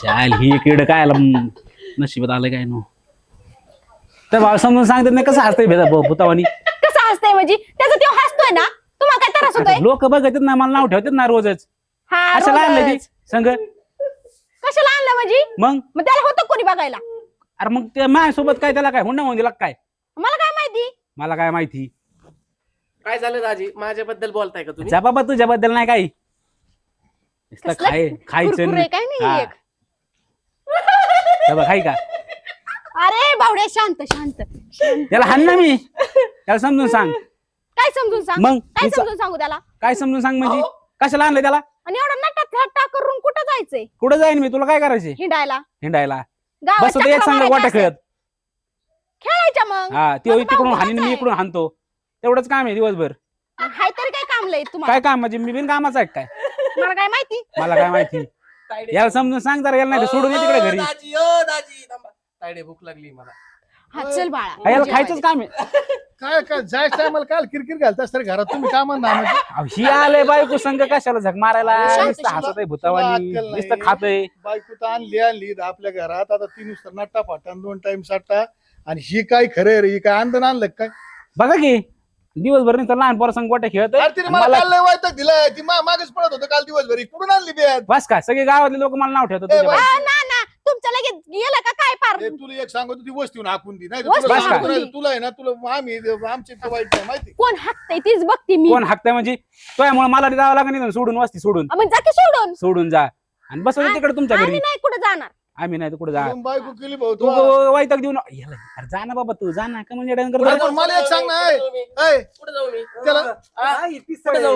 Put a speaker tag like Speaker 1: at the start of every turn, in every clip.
Speaker 1: चाल ही किड काय आला नशिबात आलं काय नो तर भाऊ समजून सांगतात नाही कसं हसतंय भेदा भूतावानी
Speaker 2: कसं हसतंय म्हणजे त्याचा तो हसतोय ना तुम्हाला काय त्रास होतोय
Speaker 1: लोक बघतात ना मला नाव ठेवतात ना रोजच
Speaker 2: हा
Speaker 1: अशा आणलं ती
Speaker 2: रोजच.
Speaker 1: संघ
Speaker 2: कशाला आणलं म्हणजे
Speaker 1: मग
Speaker 2: त्याला होतं कोणी बघायला
Speaker 1: अरे मग ते माझ्यासोबत काय त्याला काय हुंडा होऊन दिला काय
Speaker 2: मला काय माहिती
Speaker 1: मला काय माहिती
Speaker 3: काय झालं दाजी माझ्याबद्दल बोलताय का तुम्ही
Speaker 1: जा बाबा तुझ्याबद्दल नाही काही नुसतं
Speaker 2: कसलं
Speaker 1: खायचं
Speaker 2: कुरकुरे काय नाही
Speaker 1: हा.
Speaker 2: एक.
Speaker 1: जा बा, खाई का
Speaker 2: अरे बावड्या शांत शांत शांत.
Speaker 1: त्याला हाण ना मी त्याला समजून सांग
Speaker 2: काय समजून सांग
Speaker 1: मग
Speaker 2: काय
Speaker 1: तिचं-
Speaker 2: समजून सांगू त्याला
Speaker 1: काय समजून सांग म्हणजे कशाला आणलं त्याला
Speaker 2: आणि एवढा नटात हट्टा करून कुठं जायचंय
Speaker 1: कुठं जाईन मी तुला काय करायचे
Speaker 2: हिंडायला
Speaker 1: हिंडायला
Speaker 2: गावात
Speaker 1: बस होतं एक
Speaker 2: चक्रा
Speaker 1: सांग
Speaker 2: मारायच्या
Speaker 1: गोट्या
Speaker 2: असतात.
Speaker 1: खेळत
Speaker 2: खेळायच्या मग
Speaker 1: हा ते
Speaker 2: माझं
Speaker 1: तिकडून
Speaker 2: भाऊ
Speaker 1: हानी
Speaker 2: कुठंच
Speaker 1: मी
Speaker 2: आहे?
Speaker 1: इकडून हाणतो तेवढंच काम आहे दिवसभर
Speaker 2: हाय तरी काय काम लय तुम्हाला
Speaker 1: काय काम म्हणजे मी बिन कामाचं आहे काय
Speaker 2: मला काय माहिती
Speaker 1: मला काय माहिती याला समजून सांग जरा याला नाही तर सोडून ये तिकडे घरी
Speaker 3: दाजी ओ दाजी थांबा. तायडे भूक लागली मला
Speaker 2: हा चल बाळा
Speaker 1: हा, याला खायचंच काम आहे
Speaker 4: काय काय जायचं टायमाला काल किरकिर घालतास तरी घरात तुम्ही काय म्हणता
Speaker 1: अहो, ही आलंय बायको संघ कशाला झक मारायला
Speaker 2: शांत,
Speaker 1: नुसतं
Speaker 2: शांत.
Speaker 1: हसत आहे भूतावानी
Speaker 4: तुला अक्कल नाही.
Speaker 1: नुसतं खातय
Speaker 4: बायको तर आणली आपल्या घरात आता ती नुसतं नट्टा फाटा 2 टाइम साठा आणि ही काय खरं रे ही काय आंदन आणलं का काय
Speaker 1: बघा की दिवसभर नुसतं लहान पोरा संग गोट्या खेळत
Speaker 4: अरे तिने मला काल लय वायताक दिलाय ती मागेच पडत होतं काल दिवसभरी कुठून आणली बियात
Speaker 1: बस का सगळे गावातले लोक मला नाव ठेवतात तुझ्या
Speaker 4: बाई.
Speaker 1: बाई.
Speaker 2: ना ना तुमच्या लगेच गेलं का काय पार
Speaker 4: ए, तुला एक सांगतो ती वस्तीहून हाकून दी नाही
Speaker 2: वस्तीहून
Speaker 4: तुला
Speaker 2: हाकून
Speaker 4: सांगतो
Speaker 2: दी.
Speaker 4: तुला आहे ना तुला आम्ही आमची तर वाईट नाही माहिती
Speaker 2: कोण हाकतय तीच बघते मी
Speaker 1: कोण हाकताय म्हणजे त्यामुळे मला ते जावं लागेल सोडून वस्ती सोडून
Speaker 2: मग जा की सोडून
Speaker 1: सोडून जा आणि बस तिकडे तुमच्या घरी
Speaker 2: आम्ही नाही कुठे जाणार
Speaker 1: आम्ही नाही तर कुठे जा
Speaker 4: तुला बायको केली भाऊ
Speaker 1: तू
Speaker 4: तू
Speaker 1: वाईटक देऊन याला अरे जा ना बाबा तू जा ना का म्हणजे
Speaker 4: पुढे जाऊन मला एक सांग ना ऐ, ऐ,
Speaker 3: कुठे जाऊ मी
Speaker 4: त्याला
Speaker 3: कुठे जाऊ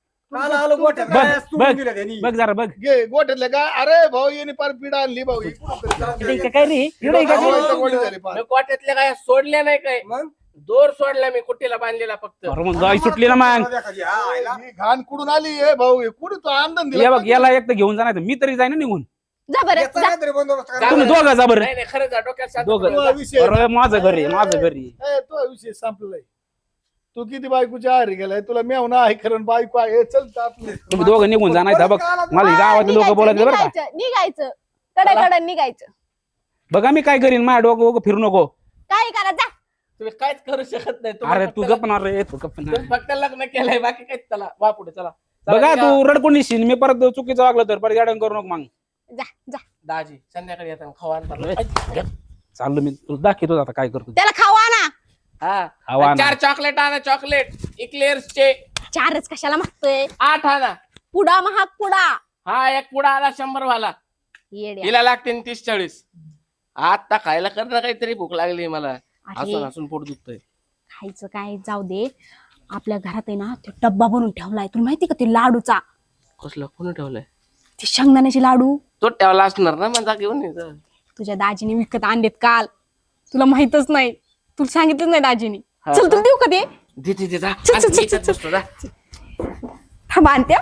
Speaker 1: बघ जरा बघ
Speaker 4: घे गोठ्यातल्या का अरे भाऊ येणे पार पिढा आणली भाऊ ही कुठं तरी
Speaker 1: इकडे काय रे इकडे काय
Speaker 4: भाऊ, इथं गोडी झाली पार.
Speaker 3: मी कोट्यातल्या काय सोडल्या नाही काय दोर सोडला मी कुट्टीला बांधलेला फक्त
Speaker 1: अरे मग गाय सुटली ना मग
Speaker 4: ही घाण कुठून आली हे भाऊ हे कुठे तो आनंद
Speaker 1: या
Speaker 4: दिला
Speaker 1: बघ याला एक तर घेऊन जाणार मी तरी जाईन ना निघून
Speaker 2: जा बरं जा.
Speaker 1: तुम्ही दोघं जा बरं
Speaker 3: नाही नाही खरं जा डोक्यात शांत
Speaker 1: दोघं
Speaker 3: करा.
Speaker 4: विषय
Speaker 1: अरे माझं घर आहे माझं घर आहे
Speaker 4: ए, तो विषय संपलाय तू किती बायकोच्या आहारी गेलाय तुला मेवना आहे खरं बायको आहे चल तर आपलं
Speaker 1: तुम्ही दोघं निघून जा नाही बघ मला ही गावातले लोक बोलायचे बरं का
Speaker 2: निघायचं निघायचं कडे निघायचं
Speaker 1: बघा मी काय करीन माझ्या डोकं वगैरे फिरू नको
Speaker 2: काय करा जा
Speaker 3: तुम्ही काहीच करू शकत नाही तुम्ही
Speaker 1: अरे
Speaker 3: फक्त
Speaker 1: तू गपणार रे तू गपणार
Speaker 3: तुम्ही फक्त लग्न केलंय बाकी काय चला वा पुढे चला
Speaker 1: बघा तू रडकुंडी शिन मी परत चुकीचं वागलं तर परत गाडन करू नको मग
Speaker 2: जा जा
Speaker 3: दाजी संध्याकाळी येताना खावा आणतात
Speaker 1: चाललो मी तुला दाखवतो आता काय करतो
Speaker 2: त्याला खावा ना
Speaker 3: हा
Speaker 1: खावा
Speaker 3: आणि
Speaker 1: आणा.
Speaker 3: 4 चॉकलेट आणा चॉकलेट इक्लेअर्स चे
Speaker 2: 4च कशाला मागतोय
Speaker 3: 8 आणा
Speaker 2: पुडा महाग पुडा
Speaker 3: हा एक पुडा आला 100 वाला
Speaker 2: येड्या
Speaker 3: हिला लागते 30-40 आता खायला कर ना काहीतरी भूक लागली मला
Speaker 2: अरे.
Speaker 3: हसून हसून पोट दुखतंय
Speaker 2: खायचं काय जाऊ दे आपल्या घरात आहे ना ते डब्बा बनवून ठेवलाय तुला माहिती का ते लाडूचा
Speaker 3: कसलं कोणी ठेवलंय
Speaker 2: ते शेंगदाण्याचे लाडू
Speaker 3: तो ठेवला असणार ना माझा घेऊन ये जा.
Speaker 2: तुझ्या दाजीने विकत आणलेत काल तुला माहितच नाही तुला सांगितलंच नाही दाजीने
Speaker 3: हा
Speaker 2: चल तुला देऊ का ते
Speaker 3: दे जा
Speaker 2: चल, चल,
Speaker 3: आणि मी
Speaker 2: चल,
Speaker 3: इथंच बसतो, जा.
Speaker 2: थांबा आणते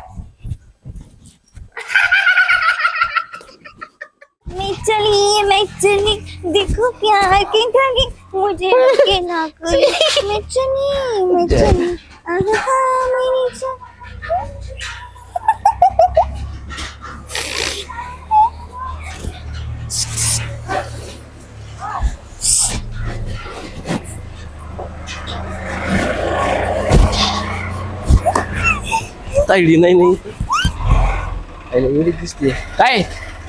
Speaker 5: मैं चली देखो प्यार की धागे मुझे के ना कोई मैं चली आहा मेरी जान
Speaker 3: तायडी नाही आईला एवढी दिसते काय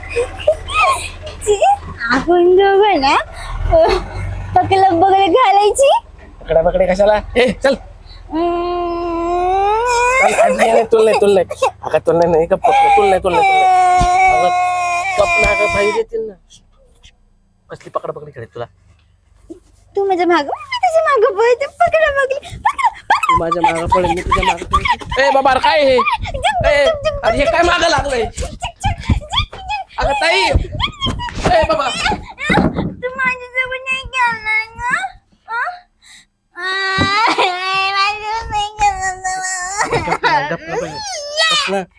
Speaker 5: आपण दोघं ना पकलं बगल घालायची
Speaker 3: पकडा कशाला ए चल तुल नाही अगं तुल नाही गप्प तुल नाही गप्प ना अगं बाहेर येतील ना कसली पकडा खेळत तुला
Speaker 5: तू माझ्या माग मी तुझ्या माग पळते पकडा बगली
Speaker 3: तू माझ्या मागं पडेल मी तुझ्या मागं पडेल ए बाबा अरे काय हे ए, अरे हे काय मागं लागलंय अगं ताई ए बाबा
Speaker 5: तू माझ्यासोबत नाही खेळणार ना माझ्यासोबत नाही खेळणार
Speaker 3: गप्प ना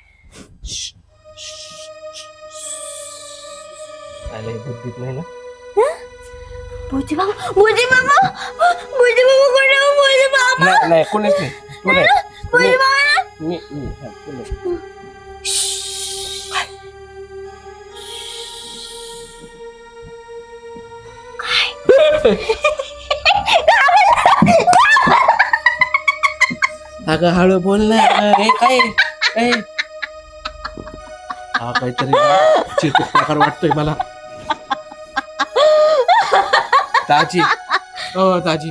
Speaker 3: बुद्धीत नाही ना
Speaker 5: भोजी बाबा कोण भोजी बाबा
Speaker 3: नाही कोणीच नाही तू नाही
Speaker 5: भोजी बाबा
Speaker 3: मी हा, तू नाही. अगं हळू बोल ना. हे काय ए. हा काहीतरी चिरकुट प्रकार वाटतोय मला. दाजी दाजी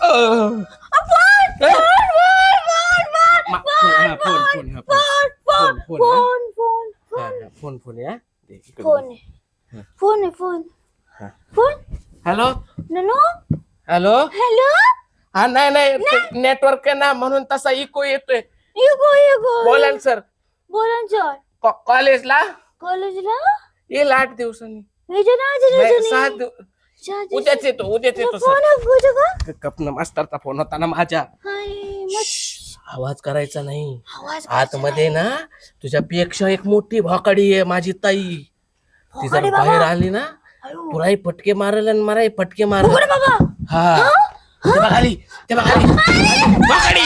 Speaker 3: फोन फोन या
Speaker 5: फोन आहे फोन
Speaker 3: हॅलो
Speaker 5: ननू
Speaker 3: हॅलो.
Speaker 5: हॅलो
Speaker 3: हा नाही नेटवर्क आहे ना म्हणून तसा इको येतोय.
Speaker 5: युगो
Speaker 3: बोला ना सर.
Speaker 5: बोला ना सर
Speaker 3: कॉलेजला
Speaker 5: कॉलेजला
Speaker 3: येईल 8 दिवसांनी.
Speaker 5: नाही
Speaker 3: 7 उद्याच येतो सर. कपन मास्तरचा फोन होता ना माझ्या. आवाज करायचा नाही. आतमध्ये ना तुझ्यापेक्षा एक मोठी भाकडी आहे माझी ताई. ती जर बाहेर आली ना तुलाही फटके मारेल आणि मलाही फटके मारेल. हा ते बघ आली भाकडी.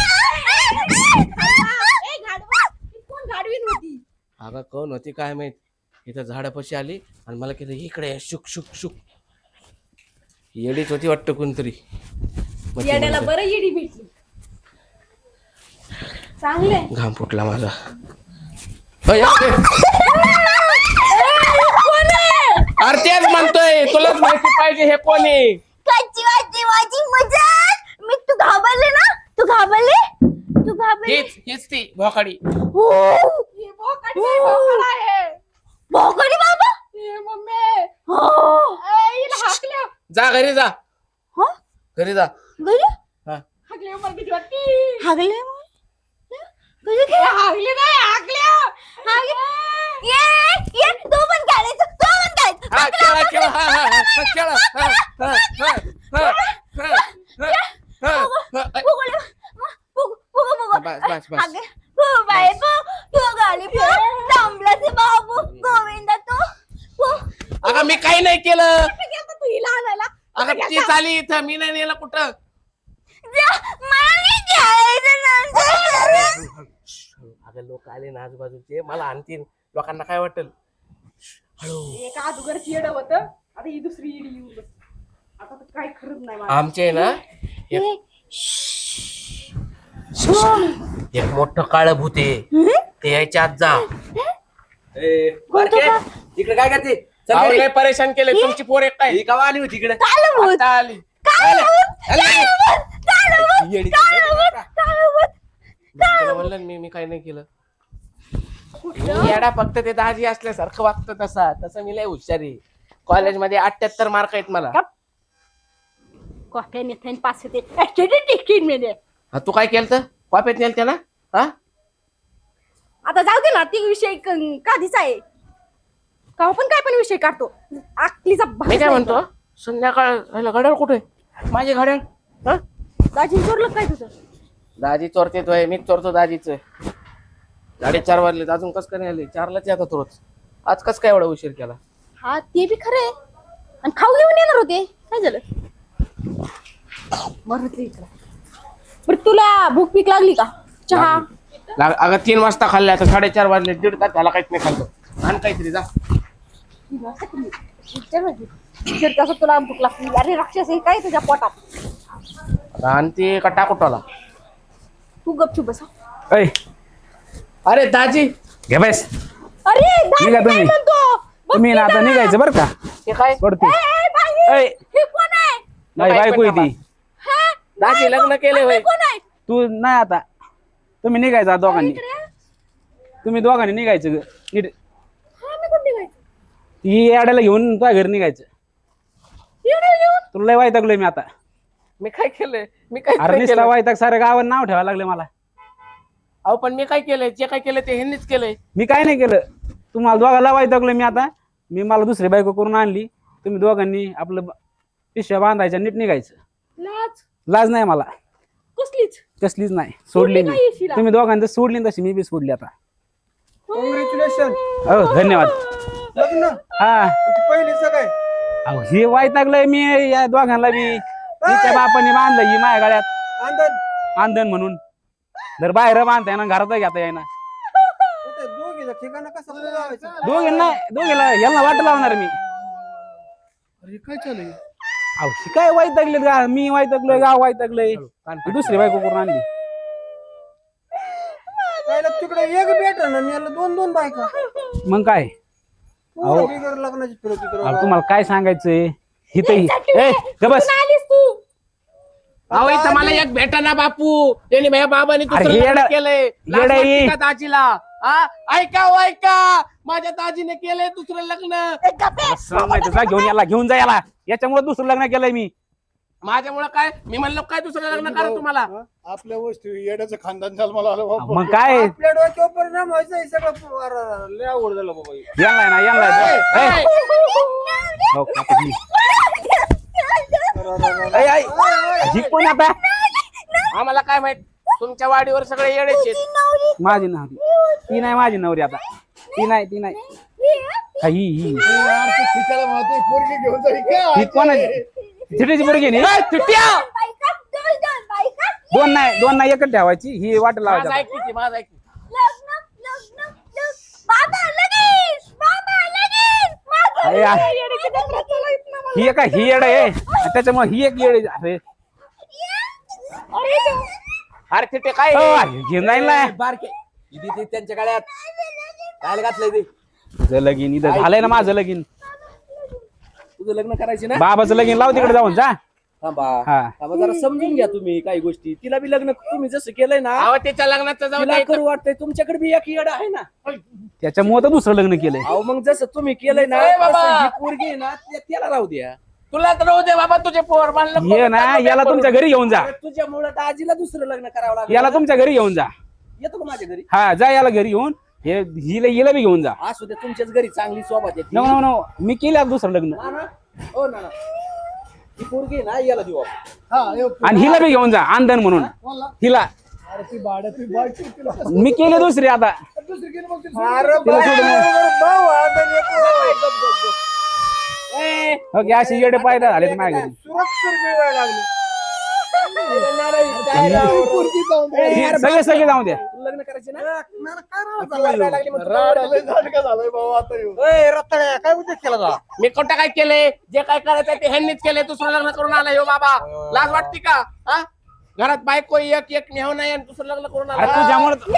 Speaker 3: अगं कोण होती काय माहित. इथं झाडापाशी आली आणि मला केलं इकडे शुक शुक शुक. येडीच होती वाटतं कोणतरी.
Speaker 2: येड्याला बरं येडी भेटली. चांगले
Speaker 3: घाम फुटला माझा. अरे तेच म्हणतोय तुलाच माहिती पाहिजे हे कोण आहे.
Speaker 5: कच्ची वाची माझी मजाक मी तू घाबरले
Speaker 3: हीच ती भोकाडी.
Speaker 5: भोकडी बाबा
Speaker 3: जा घरी जा.
Speaker 5: हो?
Speaker 3: घरी जा.
Speaker 5: गली
Speaker 3: हा.
Speaker 5: हागले ये तो पण खेळायचं
Speaker 3: हा, खेळा. हा, खेळा. बस.
Speaker 5: बाबू गोविंदा तू
Speaker 3: अगं मी काही नाही केलं. अगं ती चाली इथं मी नाही नेलं कुठं. अगं लोक आले ना आजूबाजूचे मला आणतील. लोकांना काय वाटेल.
Speaker 2: एका अगोदरची येड होत आता ही दुसरी येडी येऊन बस. आता तर काही खरंच नाही मला.
Speaker 3: आमचे ना एक मोठं काळ भूत आहे. ते यायच्या आत जा.
Speaker 6: इकडे काय करते?
Speaker 3: अहो, लय परेशान केले तुमची पोर एक काय.
Speaker 6: ही कवा आली होती इकडे?
Speaker 3: आता आली. तुला म्हणलं ना मी काही नाही केलं. मी येडा फक्त ते दाजी असल्यासारखं वागतं तसं मी लय हुशारी. कॉलेजमध्ये 78 मार्क आहेत मला.
Speaker 2: कॉफी नेते पास होते.
Speaker 3: हा तू काय केलं कॉपेत नेल त्याला. हा
Speaker 2: आता जाऊ दे ना ती विषय कधीच आहे का पण काय पण विषय काढतो. आकलीचा
Speaker 3: मी काय म्हणतो संध्याकाळ घड्याळ कुठे माझे घड्याळ. हा
Speaker 2: दाजी चोरलं काय तुझं.
Speaker 3: दाजी चोरते तोय मीच चोरतो दाजीच. 4:30 वाजले अजून कस काय नाही आले. 4लाच येतात रोज. आज कस काय एवढा उशीर केला.
Speaker 2: हा ते बी खरंय. आणि खाऊ घेऊन येणार होते काय झालं. बरं तुला भूक पीक लागली का. चहा
Speaker 3: अगं 3 वाजता खाल्ले आता 4:30 वाजले. 1.5 तास झाला काहीच नाही खाल्लं. आणि काहीतरी जा.
Speaker 2: कसं तुला भूक लागली. अरे राक्षस हे काय तुझ्या पोटात.
Speaker 3: आणि ते का टाकुटाला.
Speaker 2: तू गपचूप बस.
Speaker 1: ऐ
Speaker 3: अरे दाजी
Speaker 1: घे बस.
Speaker 2: अरे
Speaker 1: निघा तुम्ही. तुम्ही ना आता निघायचं बरं का.
Speaker 3: हे काय
Speaker 1: पडते. ऐ
Speaker 2: हे कोण आहे.
Speaker 1: नाही बायको आहे ती.
Speaker 2: हा?
Speaker 3: दाजी लग्न केले होय.
Speaker 2: कोण आहे.
Speaker 1: तू नाही आता. तुम्ही निघायचं दोघांनी. तुम्ही दोघांनी निघायचं नीट.
Speaker 2: हा मी कुठे निघायचं.
Speaker 1: ही याड्याला घेऊन तुझ्या घरी निघायचं. तुला लय वाईटागलोय मी आता.
Speaker 3: मी काय केलंय मी काय
Speaker 1: अरे नुसता वाईटाग साऱ्या गावात नाव ठेवायला लागले मला.
Speaker 3: अहो पण मी काय केलंय जे काय केलं ते ह्यांनीच केलंय.
Speaker 1: मी काय नाही केलं. तुम्हाला दोघांना वाईटागलोय मी आता. मी मला दुसरी बायको करून आणली. तुम्ही दोघांनी आपलं पिशव्या बांधायच्या नीट निघायचं. लाज नाही मला कसलीच नाही. सोडली मी. तुम्ही दोघांनी सोडली तशी मी बी सोडली आता.
Speaker 4: कॉंग्रॅच्युलेशन.
Speaker 1: हो धन्यवाद.
Speaker 4: लग्न
Speaker 1: हा
Speaker 4: पहिलीच काय
Speaker 1: अहो हे वाईटागलंय मी या दोघांना बी. तिच्या बापाने बांधलं ही माझ्या गाड्यात
Speaker 4: आंदन
Speaker 1: आंदन म्हणून. जर बाहेर बांधता येणार घरात घेता येणार.
Speaker 4: दोघीचं ठिकाण कसं लावायचं.
Speaker 1: दोघींना यांना वाट लावणार मी.
Speaker 4: अरे काय चालू
Speaker 1: अहो काय वैतागले का मी वैतागलोय गाव वैतागलंय दुसरी बायको करून आणली
Speaker 7: तिकडे एक भेट ना याला 2-2 बायका
Speaker 1: मग काय अहो
Speaker 7: बिगर लग्नाची फिरत
Speaker 1: अहो, तुम्हाला काय सांगायचंय हिथही ए ग बस
Speaker 2: आलीस तू
Speaker 3: अहो इथं मला एक भेटा ना बापू त्यांनी माझ्या बाबांनी
Speaker 1: अरे
Speaker 3: दुसरं लग्न
Speaker 1: येडा-
Speaker 3: केलंय लाज
Speaker 1: येडा
Speaker 3: वाटते
Speaker 1: ये.
Speaker 3: का दाजीला हा? ऐका हो, ऐका माझ्या दाजीने केलंय दुसरं लग्न
Speaker 1: सांगायचं जा घेऊन जा याला याच्यामुळे दुसरं लग्न केलंय मी
Speaker 3: माझ्यामुळे काय मी म्हणलो काय दुसरं लग्न करा तुम्हाला
Speaker 4: आपल्या वस्तू येड्याचं खानदान झालं मला आलं बाबा.
Speaker 1: मग काय
Speaker 7: आपल्या डोक्यावर परिणाम व्हायचा हे सगळं लय आवड झालं बाबा हे.
Speaker 1: यांना ना यांना
Speaker 3: ए,
Speaker 1: हो, आता ही. ऐ, ऐ, ही कोण आता
Speaker 3: आम्हाला काय माहित तुमच्या वाडीवर सगळे येडेच आहेत.
Speaker 1: माझी नवरी ती नाही माझी नवरी आता ती नाही हा, ही
Speaker 4: यार, ते सीताला म्हणते, पोरगी घेऊन जा, ही काय
Speaker 1: ही कोण थिटीची पोरगी नाही
Speaker 3: ए, तुट्या!
Speaker 1: दोन नाही एकच ठेवायची ही वाट
Speaker 3: माझं
Speaker 1: लावायची
Speaker 3: ऐक किती, माझं ऐक.
Speaker 1: अरे यार, ही एक ही येड आहे त्याच्यामुळे ही एक येड आहे. अरे
Speaker 3: अरे तिथे काय
Speaker 1: घेऊन जाईल ना
Speaker 6: बारके इथे ते त्यांच्या गाड्यात काय घातलंय ते
Speaker 1: तुझं लगीन इथं झालंय ना माझं लगीन
Speaker 6: तुझं लग्न करायचे ना
Speaker 1: बाबाचं लगीन लाव तिकडे जाऊन जा
Speaker 6: थांबा
Speaker 1: हा
Speaker 6: थांबा जरा समजून घ्या तुम्ही काही गोष्टी तिला बी लग्न तुम्ही जसं केलंय ना
Speaker 3: अहो त्याच्या लग्नाचं जाऊ
Speaker 6: तिला
Speaker 3: द्या.
Speaker 6: करू वाटतंय तुमच्याकडे बी एक येड आहे ना
Speaker 1: त्याच्यामुळे तर दुसरं लग्न केलंय
Speaker 6: अहो मग जसं तुम्ही केलंय ना
Speaker 3: ए बाबा!
Speaker 6: तसं ही पोरगी आहे ना त्याला राहू द्या
Speaker 3: तुला तर राहू दे बाबा तुझे पोर म्हणलं
Speaker 1: ये ना याला तुमच्या घरी घेऊन जा
Speaker 6: तुझ्यामुळे दाजीला दुसरं लग्न करावं लागलं
Speaker 1: याला तुमच्या घरी घेऊन जा
Speaker 6: येतो का माझ्या घरी
Speaker 1: हा जा याला घरी घेऊन हे हिला बी घेऊन जा
Speaker 6: असू द्या तुमच्याच घरी चांगली सोबत येते
Speaker 1: नो नो नो मी केलं आता दुसरं लग्न
Speaker 6: हो ना ही पोरगी आहे ना याला देऊ आपण.
Speaker 4: हा, ये,
Speaker 1: आणि हिला बी घेऊन जा आंदन म्हणून
Speaker 4: कोणला?
Speaker 1: हिला
Speaker 4: अरे ती भाड्या ती बायको तिला
Speaker 1: मी केले दुसरी आता
Speaker 4: दुसरी गेली मग ती
Speaker 7: अरे
Speaker 1: तिला
Speaker 7: बाई,
Speaker 1: सोडून
Speaker 7: भाऊ, आता एक
Speaker 1: ओके अशी येडे पायदा झाले माझ्या घरी
Speaker 7: सुरक्षित मिळवायला लागली
Speaker 4: पोरगी जाऊन दे.
Speaker 1: हे सगळे जाऊ द्या
Speaker 6: तुला लग्न करायचे ना
Speaker 4: राड आलंय, झाडकं झालंय भाऊ आता ह्यो.
Speaker 7: रत्ताळ्या काय उद्योग केला जा
Speaker 3: मी कोणतं काय केलंय जे काय करायचं ते ह्यांनीच केलंय दुसरं लग्न करून आलाय हो बाबा लाज वाटते का हा घरात बायको एक एक नेहू नाही आणि दुसरं लग्न करून
Speaker 1: अरे
Speaker 3: आला
Speaker 1: तुझ्यामुळे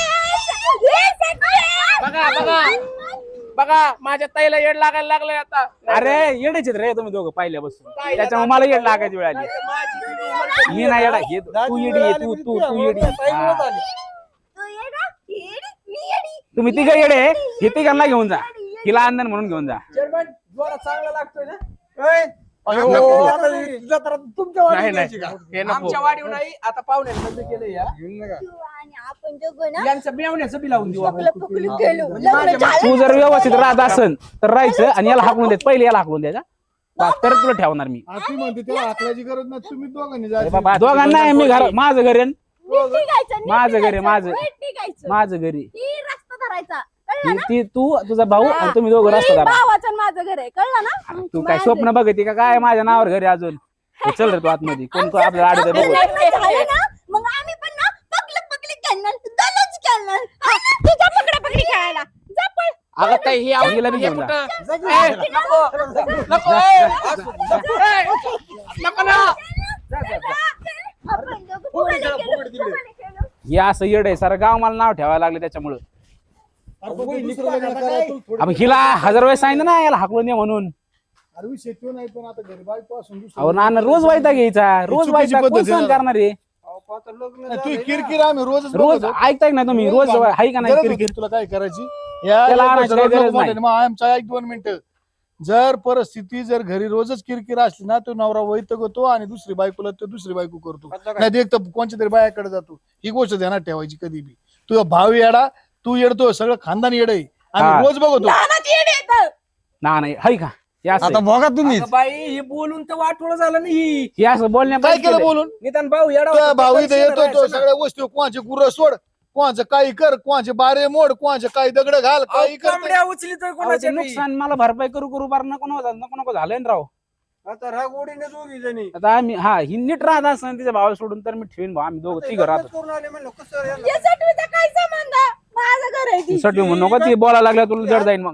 Speaker 3: बघा बघा बघा माझ्या ताईला येड लागायला लागलंय आता
Speaker 1: अरे येडेच रे तुम्ही दोघं पहिल्यापासून त्याच्यामुळे मला येड लागायची वेळ आली मी नाही येडा हे तू येडी आहे, तू येडी हा. तुम्ही तिघ येडे हे तिघांना घेऊन जा हिला आंदन म्हणून घेऊन जा
Speaker 6: चेअरमन जोरा चांगला लागतोय ना
Speaker 7: तुमच्या
Speaker 3: नाही नाही हे नको
Speaker 6: आमच्या वाढीव नाही आता पाहुण्याने बंद केलं या
Speaker 5: आपण दोघं ना
Speaker 6: यांचं मेवण्याचं बी लावून देऊ आपण.
Speaker 5: पकडलं पकडून गेलो लग्न झालं
Speaker 1: तू जर व्यवस्थित राहत असन तर राहायचं आणि याला हाकलून द्यायचं पहिले याला हाकलून द्यायचा बस, तरच तुला ठेवणार मी
Speaker 4: हा, ती म्हणते त्याला हाकलायची गरज नाही तुम्ही दोघांनी
Speaker 1: अरे
Speaker 4: जायचं.
Speaker 1: बाबा दोघांना आहे, मी घर माझं घर आहे न.
Speaker 2: नीट निघायचं, नीट
Speaker 1: माझं घर आहे,
Speaker 2: निघायचं,
Speaker 1: माझं.
Speaker 2: नीट निघायचं.
Speaker 1: माझं घरी
Speaker 2: ही रस्ता धरायचा कळलं ना?
Speaker 1: ती तू तुझा भाऊ आणि तुम्ही दोघं
Speaker 2: ही
Speaker 1: रस्ता धरा
Speaker 2: भावाचं आणि माझं घर आहे कळलं ना?
Speaker 1: तू काय स्वप्न बघते का काय माझ्या नावावर घरी अजून हे चल रे तू आतमध्ये कोण तो आपल्याला आडत
Speaker 5: आपलं
Speaker 1: बघू
Speaker 5: लग्न झालं ना मग आम्ही पण ना पकडी खेळणार दलच खेळणार
Speaker 2: हा ना, तू जा पकडापकडी खेळायला जा पळ.
Speaker 3: अगं ताई ही आवडली
Speaker 1: हिला बी
Speaker 3: हे
Speaker 1: घेऊन जा.
Speaker 3: कुठं? ए, नको नको ए, नको ना
Speaker 5: आपण दोघं फुगडी खेळलो.
Speaker 1: हे असं येड आहे सारं गाव मला नाव ठेवायला लागले त्याच्यामुळं
Speaker 4: अरे पण ते दुसरं लग्न करा, तू थोडी-
Speaker 1: अब हिला 1000 वेळेस सांगितलं ना याला हाकलून दे म्हणून
Speaker 4: अरे विषय तो नाही पण आता घरी बायको असून दुसरं-
Speaker 1: अहो नाना रोज वायता घ्यायचा रोज
Speaker 4: चुकीची
Speaker 1: वायता
Speaker 4: पद्धत
Speaker 1: कोण
Speaker 4: आहे
Speaker 1: सहन
Speaker 4: ना.
Speaker 1: करणार आहे
Speaker 4: नाही, तू किरकिर आम्ही रोजच
Speaker 1: रोज
Speaker 4: बघतो.
Speaker 1: ऐकताय ना तुम्ही रोज हाय का नाही
Speaker 4: गरज
Speaker 1: किरकिर
Speaker 4: होती तुला काय करायची या
Speaker 1: त्याला
Speaker 4: एक
Speaker 1: आणायची
Speaker 4: वर्षाला
Speaker 1: काही गरज
Speaker 4: नको
Speaker 1: नाही.
Speaker 4: म्हणते. मग आमचा एक 2 मिनिटं जर परिस्थिती जर घरी रोजच किरकिर असली ना तो नवरा वैतगतो आणि दुसरी बायकोला तो दुसरी बायको करतो नाही एक तर कोणत्या तरी बायाकडे जातो ही गोष्ट ध्यानात ठेवायची कधी बी तुझा भाव येडा तू येडतो सगळं खानदान येड आहे
Speaker 1: हा.
Speaker 4: आम्ही रोज बघतो
Speaker 2: लहानाची येडी येतं.
Speaker 1: ना नाही हाय का हे असं आहे.
Speaker 4: बघा तुम्ही
Speaker 6: अगं बाई हे बोलून तर वाटोळ झालं नाही
Speaker 1: हे असं बोलण्या
Speaker 4: काय केलं बोलून
Speaker 6: निदान भाऊ येडा
Speaker 4: तुझा
Speaker 6: होता,
Speaker 4: भाऊ
Speaker 6: तर
Speaker 4: इथं येतो तो
Speaker 6: राहायचं ना.
Speaker 4: सगळ्या वस्तू कोणाचे गुरं सोड कोणाचं काही कर कोणाचे बारे मोड कोणाचे काही दगड घाल काही
Speaker 6: अहो,
Speaker 4: कर
Speaker 6: कोंबड्या उचलितोय
Speaker 1: अहो, ते
Speaker 6: कोणाच्या बी.
Speaker 1: नुकसान मला भरपाई करू बार नको झालंय ना राव
Speaker 7: आता रागोडीने दोघी जणी
Speaker 1: आता आम्ही हा ही नीट राहत असं तिच्या भावाला सोडून तर मी ठेवीन भाऊ आम्ही दोघं तिघं राहतो
Speaker 7: करून आले म्हणलं कसं यांना-
Speaker 2: या सटवीचा काय संबंध? माझं घर आहे ती.
Speaker 1: साठी म्हणून नको ती बोलायला लागल्या तुला जड जाईन मग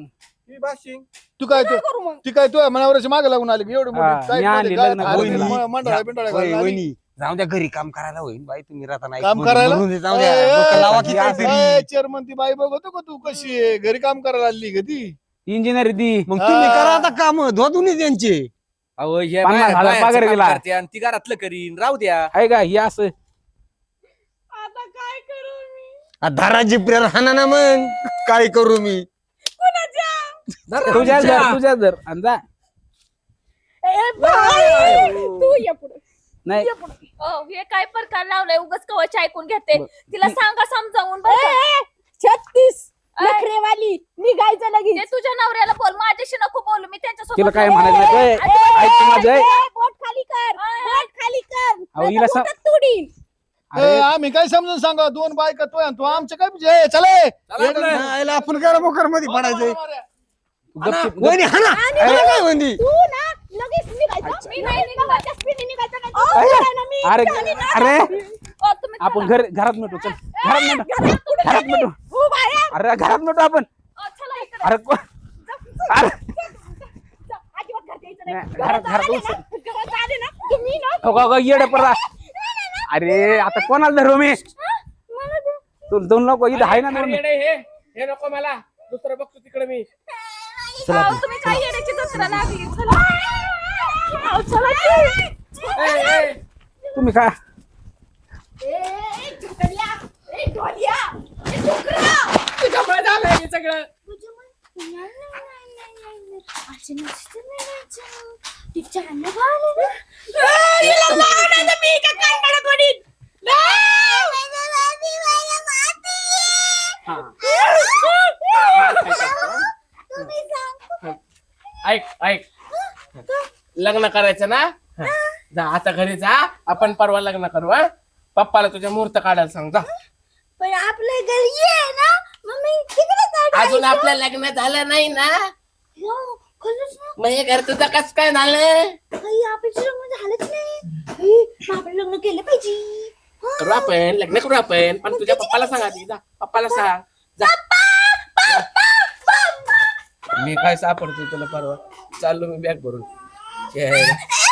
Speaker 7: ही बाशिंग
Speaker 4: तू काय
Speaker 2: काय करू मग
Speaker 4: ती काय तू मनावरची मागे लागून आली एवढी
Speaker 1: हा,
Speaker 4: मोठी काय
Speaker 1: मी आणली
Speaker 4: काय
Speaker 1: लग्न
Speaker 4: खायला
Speaker 1: करून.
Speaker 4: दिली, मंडळा बिंडळा घालून आली.
Speaker 6: वहिनी जाऊ द्या घरी काम करायला होईल बाई तुम्ही राहता नाही
Speaker 4: काम करायला?
Speaker 6: जाऊ द्या डोकं लावा की काहीतरी.
Speaker 4: चेअरमन ती बाई बघतो का तू कशी आहे घरी काम करायला आली का ती
Speaker 1: इंजिनियर ती
Speaker 6: मग तुम्ही करा आता काम धुवा त्यांचे.
Speaker 3: अहो हे
Speaker 1: 50,000
Speaker 3: बाहेरचं
Speaker 1: पगार
Speaker 3: काम
Speaker 1: दिला.
Speaker 3: करते आणि ती घरातलं करीन राहू द्या.
Speaker 1: आहे का हे असं
Speaker 2: आता काय करू मी
Speaker 6: धरा जिप्रेर हाना ना मग काय करू मी.
Speaker 2: कुणाच्या
Speaker 1: तुझ्या जर आणि जा
Speaker 2: ए, बाई, तू ये पुढे
Speaker 1: नाही
Speaker 5: हे काय प्रकार लावलाय उगाच कवच ऐकून घेते तिला सांगा समजावून बरं का?
Speaker 2: 36 नखरेवाली निघायचं लगेच
Speaker 5: ते तुझ्या नवऱ्याला बोल माझ्याशी नको बोलू मी त्यांच्यासोबत
Speaker 1: तिला काय
Speaker 5: बोलते.
Speaker 1: म्हणायचं नाही. ऐक तू माझं, ऐक.
Speaker 2: बोट खाली कर बोट खाली कर
Speaker 1: अहो, हिला सा-
Speaker 2: बोटात तुडीन
Speaker 1: अरे
Speaker 4: आम्ही काय समजून सांगा दोन बायका तो आणि तू आमचं काय म्हणजे चले
Speaker 6: यायला आपण करा मोकर मध्ये पडायचंय.
Speaker 1: गपचूप-
Speaker 6: वहिनी हाना हाना काय वहिनी.
Speaker 2: तू ना लगेच निघायचं मी नाही निघायचं स्पीडने निघायचं नाही.
Speaker 1: अरे,
Speaker 2: तू आहे ना, मी
Speaker 1: अरे
Speaker 2: चालेल ना.
Speaker 1: अरे
Speaker 5: ओ, तुम्ही
Speaker 1: आपण घरात मिटू चल घरात मिटू घरात मिटू
Speaker 2: हो बाया
Speaker 1: अरे घरात मिटू आपण
Speaker 5: चला इकडे.
Speaker 1: अरे अरे
Speaker 2: अजिबात घरात यायचं नाही.
Speaker 1: नाही,
Speaker 2: घरात
Speaker 1: घरात
Speaker 2: आले
Speaker 1: उचल.
Speaker 2: ना, घरात आले ना तुम्ही ना
Speaker 1: येड पडला अरे आता कोणाला धरू मी तू दोन लोक इथं आहे ना दोन.
Speaker 3: हे नको मला दुसरं बघतो तिकडे मी.
Speaker 5: अहो, तुम्ही काय येण्याची दसरा लागली चला. अहो, चला की.
Speaker 1: तुम्ही काय
Speaker 3: तुझ्यामुळे झालंय हे सगळं. ऐक ऐक लग्न करायचं ना जा आता घरी जा आपण परवा लग्न करू हा. पप्पाला तुझ्या मुहूर्त काढायला सांग जा.
Speaker 5: पण आपल्या घरी आहे ना मम्मी तिकडे
Speaker 3: अजून आपलं लग्न झालं नाही ना मग हे घर तुझं कस काय झालं.
Speaker 5: आपल्याचं लग्न झालंच नाही आपण लग्न केलं पाहिजे
Speaker 3: करू आपण लग्न करू आपण पण तुझ्या पप्पाला सांग आधी जा पप्पाला सांग जा. मी काय सापडतो तुला परवा चाललो मी बॅग भरून यार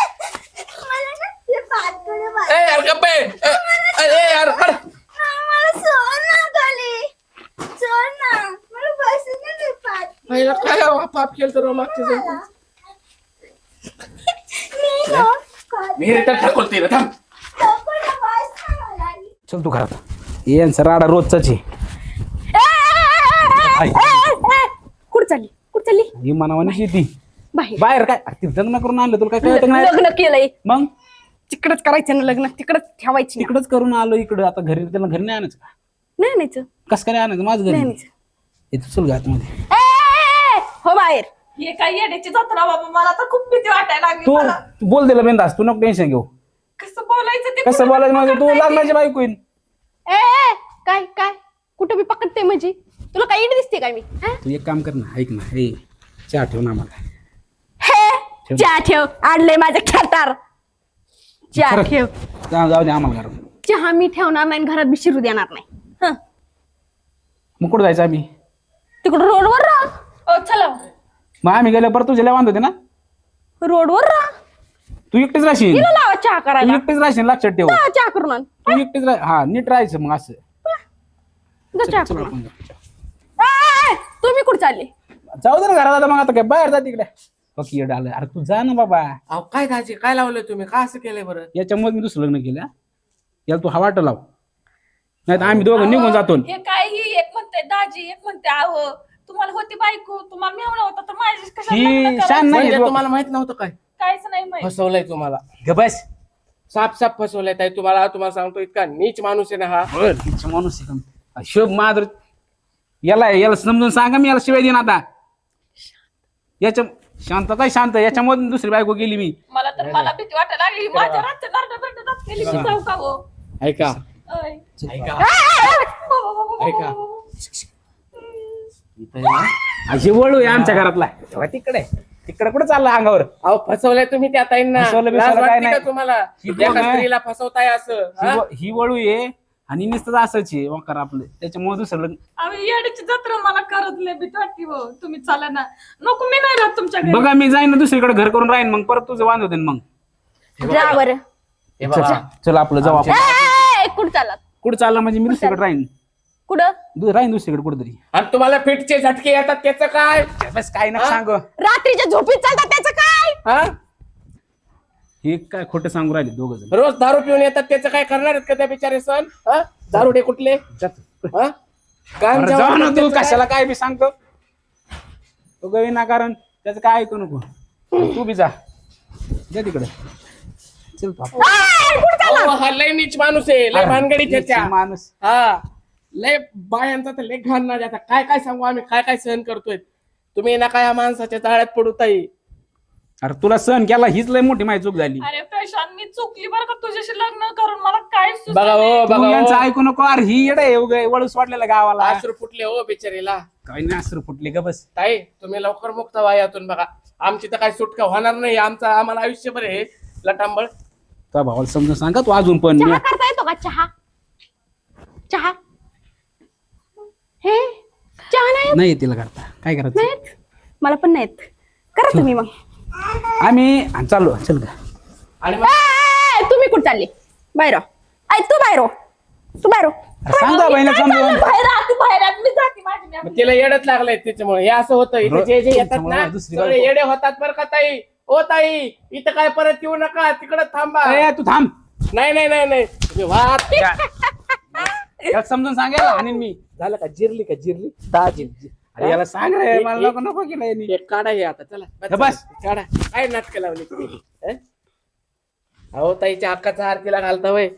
Speaker 3: गप्पे यार काय पाप केलं तर मागच्या मी रिटर्न ठाकूरते रे थांब.
Speaker 1: चल तू घरात यांचा राडा रोजचाच आहे
Speaker 2: कुठं चालली
Speaker 1: ही मनावानीच येते
Speaker 2: बाहेर
Speaker 1: बाहेर काय अरे ते लग्न करून आणलं तुला काय कळत नाही
Speaker 2: लग्न केलंय
Speaker 1: मग
Speaker 2: तिकडच करायचं ना लग्न तिकडच ठेवायची
Speaker 1: तिकडच करून आलो इकडं आता घरी त्याला घरी नाही आणायचं का
Speaker 2: नाही आणायचं
Speaker 1: कसं काय नाही आणायचं माझं घरी
Speaker 2: नाही आणायचं.
Speaker 1: येतो चल घातमध्ये
Speaker 2: हो बाहेर
Speaker 5: हे काय येण्याची जत्रा बाबा मला तर खूप भीती वाटायला लागली
Speaker 1: तू
Speaker 5: मला.
Speaker 1: तू बोल दिला बिंदास तू नको टेन्शन घेऊ
Speaker 5: कसं बोलायचं ते
Speaker 1: कसं बोलायचं म्हणजे तू लग्नाची बायको येईन
Speaker 2: काय काय कुठं मी पकडते म्हणजे तुला काय इड दिसते काय मी हा?
Speaker 1: तू एक काम कर ना ऐक ना हे चहा ठेव ना मला
Speaker 2: हे चहा ठेव आणलंय माझं खेटार चहा ठेव
Speaker 1: जाऊ दे आम्हाला घरात
Speaker 2: चहा मी ठेवणार नाही आणि घरात बी शिरू देणार नाही हं.
Speaker 1: मग कुठं जायचं आम्ही
Speaker 2: तिकडं रोडवर राहा
Speaker 5: ओ चला
Speaker 1: मग आम्ही गेल्या परत तुझ्या वांध होते ना
Speaker 2: रोडवर राहा
Speaker 1: तू एकटीच राहशील
Speaker 2: तिला लावा चहा
Speaker 1: तू
Speaker 2: करायला
Speaker 1: एकटीच राहशील लक्षात ठेव
Speaker 2: जा चहा करून आण.
Speaker 1: तू एकटीच हा नीट राहायचं मग असं
Speaker 2: जा चहा
Speaker 1: चल
Speaker 2: करून
Speaker 1: आपण
Speaker 2: आण. तुम्ही कुठं चालले
Speaker 1: जाऊ दे ना घरात आता मग आता काय बाहेर जा तिकडे बाकी येड आलं अरे तू जा ना बाबा
Speaker 3: अहो काय दाजी काय लावलंय तुम्ही का असं केलंय बरं.
Speaker 1: याच्यामुळे मी दुसरं लग्न केलं हा. याला तू हवाट लाव नाही तर आम्ही दोघं निघून जातो
Speaker 5: हे काय ही एक म्हणते दाजी एक म्हणते आहो तुम्हाला होती बायको तुम्हाला मेवणा होता तर माझी कशाला
Speaker 1: ही
Speaker 5: लग्न करायचं?
Speaker 1: शान नाही
Speaker 3: म्हणजे तुम्हाला माहित नव्हतं काय
Speaker 5: काहीच नाही माहित
Speaker 3: फसवलंय तुम्हाला
Speaker 1: ग बस
Speaker 3: साफ साफ फसवलंय ताई तुम्हाला सांगतो इतका नीच माणूस आहे ना हा.
Speaker 1: तिचा माणूस आहे का? शोभ माधुर याला समजून सांगा मी याला शिवाय देईन आता याच्या शांतता शांत याच्यामधून दुसरी बायको गेली मी
Speaker 5: मला तर मला भीती वाटायला लागली माझ्या रातच्या नरड्यात गेली मी जाऊ का हो
Speaker 3: ऐका
Speaker 5: अय.
Speaker 3: ऐका ऐका
Speaker 1: अशी वळू आहे आमच्या घरातला तेव्हा तिकडे तिकडे कुठे चालला अंगावर
Speaker 3: अहो फसवलंय तुम्ही त्या ताईंना
Speaker 1: फसवलं
Speaker 3: लाज
Speaker 1: बिसवलं काय
Speaker 3: वाटते का
Speaker 1: नाही.
Speaker 3: तुम्हाला
Speaker 1: ही
Speaker 3: एका
Speaker 1: दोन आहे.
Speaker 3: स्त्रीला फसवताय असं हा?
Speaker 1: ही वळू आहे आणि नुसतं असंच आहे वकार आपलं, त्याच्यामुळे दुसरं लग्न.
Speaker 5: आम्ही येड्याची जत्रा मला करत लय भीती वाटते हो. तुम्ही चला ना. नको, मी नाही राहत तुमच्या घरी.
Speaker 1: बघा मी जाईन ना दुसरीकडे घर करून राहीन, मग परत तुझं वांद होते मग.
Speaker 2: जा बरं.
Speaker 3: हे बघा
Speaker 1: चल आपलं जाऊ आपण.
Speaker 2: कुठं चालत?
Speaker 1: कुठं चाललं म्हणजे मी दुसरीकडे राहीन,
Speaker 2: कुठं?
Speaker 1: राहीन दुसरीकडे कुठेतरी.
Speaker 3: आणि तुम्हाला फिटचे झटके येतात त्याचं काय?
Speaker 1: बस काय ना सांग,
Speaker 2: रात्रीच्या झोपीत चालतात त्याचं काय?
Speaker 3: हा
Speaker 1: हे काय खोटं सांगू राहिले दोघं जण.
Speaker 3: रोज दारू पिऊन येतात त्याचं काय करणार आहेत का त्या बिचारे सण? हा दारुडे कुठले? हा? काम
Speaker 1: अरे
Speaker 3: जेव्हा
Speaker 1: जा ना
Speaker 3: करतात
Speaker 1: तू,
Speaker 3: त्याचं
Speaker 1: कशाला काय बी सांगतो तो गवी ना, कारण त्याचं काय ऐकू नको. तू बी जा तिकडे. चल तू आपण.
Speaker 3: काय? अहो, हा लय नीच माणूस आहे, लय भानगडी त्याच्या.
Speaker 1: माणूस
Speaker 3: हा लय बायांचा तर लय घाण ना जाता. काय काय सांगू आम्ही, काय काय सहन करतोय. तुम्ही ना काय या माणसाच्या जाळ्यात पडू ताई.
Speaker 1: अरे तुला सहन केला हीच लय मोठी माझी चूक झाली.
Speaker 5: अरे प्रशांत, मी चुकली बरं का तुझ्याशी लग्न करून. मला काय
Speaker 3: बघा हो
Speaker 1: तू
Speaker 3: बघा
Speaker 1: यांचं
Speaker 3: हो.
Speaker 1: ऐकू नको. अरे ही येडे वळूस वाटलेला गावाला.
Speaker 3: अश्रू फुटले हो बिचारीला.
Speaker 1: काही नाही अश्रू फुटले का बस.
Speaker 3: ताई तुम्ही लवकर मुक्त व्हा यातून. बघा आमची तर काही सुटका होणार नाही. आम्हाला आयुष्यभर आहे लटांबळ.
Speaker 1: तुझ्या भावाला समजून सांगा तू अजून पण.
Speaker 2: चहा करता येतो का? चहा चहा हे चहा नाही
Speaker 1: नाही तिला करता काय करायचं.
Speaker 2: येत? मला पण नाही येत. करा तुम्ही मग.
Speaker 1: आम्ही चाललो. चल का.
Speaker 3: आणि
Speaker 2: तुम्ही कुठं चालले? बाहेर हो. ऐ तू बाहेर हो. तू बाहेर हो.
Speaker 1: सांग ना बहिणी समजून.
Speaker 5: बाहेर आत, बाहेर आत. मी जाते माझी मी.
Speaker 3: मग तिला येडच लागलंय त्याच्यामुळे. हे असं होतं इथे जे जे येतात ना
Speaker 1: दुसरी
Speaker 3: सगळे येडे होतात बरं का ताई. ओ ताई इथं काय परत येऊ नका, तिकडे थांबा.
Speaker 1: ए, तू थांब.
Speaker 3: नाही नाही नाही नाही तुम्ही वाहत.
Speaker 1: याला समजून सांगायला आणि मी
Speaker 3: झालं का? जिरली का? जिरली दहा जिरली.
Speaker 1: अरे याला सांग रे, मला नको नको केलं यांनी.
Speaker 3: एक काढा हे आता. चला
Speaker 1: बस.
Speaker 3: काढा. काय नाटक लावली तुम्ही? हं? अहो ताईच्या हक्काचा आरतीला घालता वय.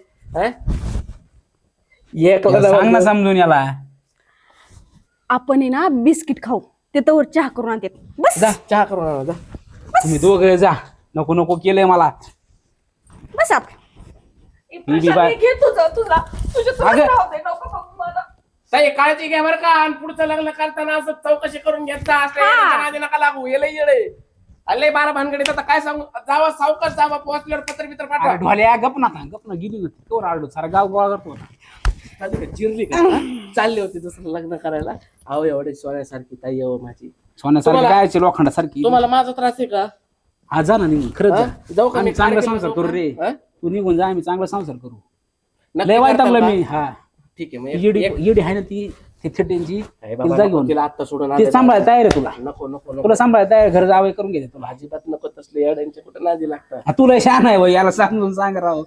Speaker 3: एक
Speaker 1: याला सांग ना समजून याला.
Speaker 2: आपण आहे ना बिस्किट खाऊ, ते तर चहा करून आणतात. बस
Speaker 3: जा चहा करून आणा जा.
Speaker 1: तुम्ही दोघं जा. नको नको केलंय मला.
Speaker 2: बस आत.
Speaker 5: ए, प्रशांत, घे तुझं तुझा तुझ्या तुला
Speaker 1: अगं.
Speaker 5: राहू दे. नको बघू मला.
Speaker 3: ताई काळजी घ्या बरं का. आणि पुढचं लग्न करताना असं चौकशी करून घेतला. असं येड्याच्या नादी नका लागू. येडे अल्ले 12 भानगडीत. आता काय सांगू. जावा सावकाश जावा. पोहोचल्यावर पत्र बित्र पाठवा.
Speaker 1: अरे ढोल्या गप ना गेली होती तो राडलो सारा गाव गोळा करतो.
Speaker 3: झाली का? जिरली का? चालली होती दुसरं लग्न करायला. अहो एवढे सोन्यासारखी ताई अहो माझी.
Speaker 1: सोन्यासारखी
Speaker 3: तुम्हाला-
Speaker 1: काय लोखंडासारखी.
Speaker 3: तुम्हाला माझा त्रास आहे का?
Speaker 1: हा जा ना निघून. खरंच
Speaker 3: हा?
Speaker 1: जा.
Speaker 3: जाऊ का?
Speaker 1: आम्ही
Speaker 3: मी
Speaker 1: चांगला
Speaker 3: कार्यक्रम
Speaker 1: संसार
Speaker 3: जाऊ
Speaker 1: करू रे.
Speaker 3: का? हा?
Speaker 1: तू निघून जा, आम्ही चांगला संसार करू.
Speaker 3: नक्की
Speaker 1: लय वाईट
Speaker 3: करताल
Speaker 1: टाकलं
Speaker 3: का?
Speaker 1: मी. हा
Speaker 3: ठीक आहे मग
Speaker 1: येडी
Speaker 3: एक-
Speaker 1: येडी आहे ना ती थिटेंची.
Speaker 3: अरे
Speaker 1: तिला
Speaker 3: बाबा,
Speaker 1: जा
Speaker 3: नको
Speaker 1: घेऊन.
Speaker 3: तिला आत्ता सोडून
Speaker 1: ते
Speaker 3: आणायला.
Speaker 1: सांभाळायला तयार आहे तुला.
Speaker 3: नको नको नको.
Speaker 1: तुला सांभाळायला तयार घर जावं करून घेते तुला.
Speaker 3: अजिबात नको तसले येड्यांचे कुठे नादी लागतात.
Speaker 1: हा, तुला शान आहे बाई, याला समजून सांग राव.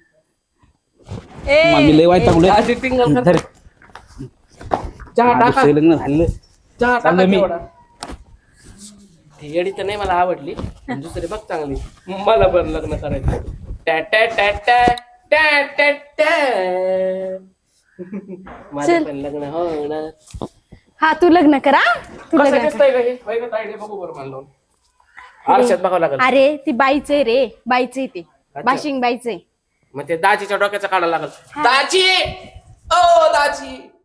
Speaker 1: मला मी लय वाईट
Speaker 3: चहाची टिंगल कर.
Speaker 1: टाकलं.
Speaker 3: चहा टाका.
Speaker 1: लग्न झालं.
Speaker 3: चहा टाका
Speaker 1: चाललं मी.
Speaker 3: तेवढा. ती येडी तर नाही मला आवडली. पण दुसरी बघ चांगली. मला पण लग्न करायचं. टॅ टॅ टॅ टॅ टॅ टॅ टॅ. माझं पण लग्न होणार.
Speaker 2: हा तू लग्न करा. तू
Speaker 3: कसं
Speaker 2: लग्न कर.
Speaker 3: दिसतंय का हे? होय का ताईडे? बघू बरं मला लावून. आरशात बघावं लागेल.
Speaker 2: अरे ती बाईच आहे रे. बाईच आहे ते.
Speaker 3: अच्छा.
Speaker 2: बाशिंग बाईच आहे.
Speaker 3: मग ते दाजीच्या डोक्याचं काढावं लागेल. दाजी ओ दाजी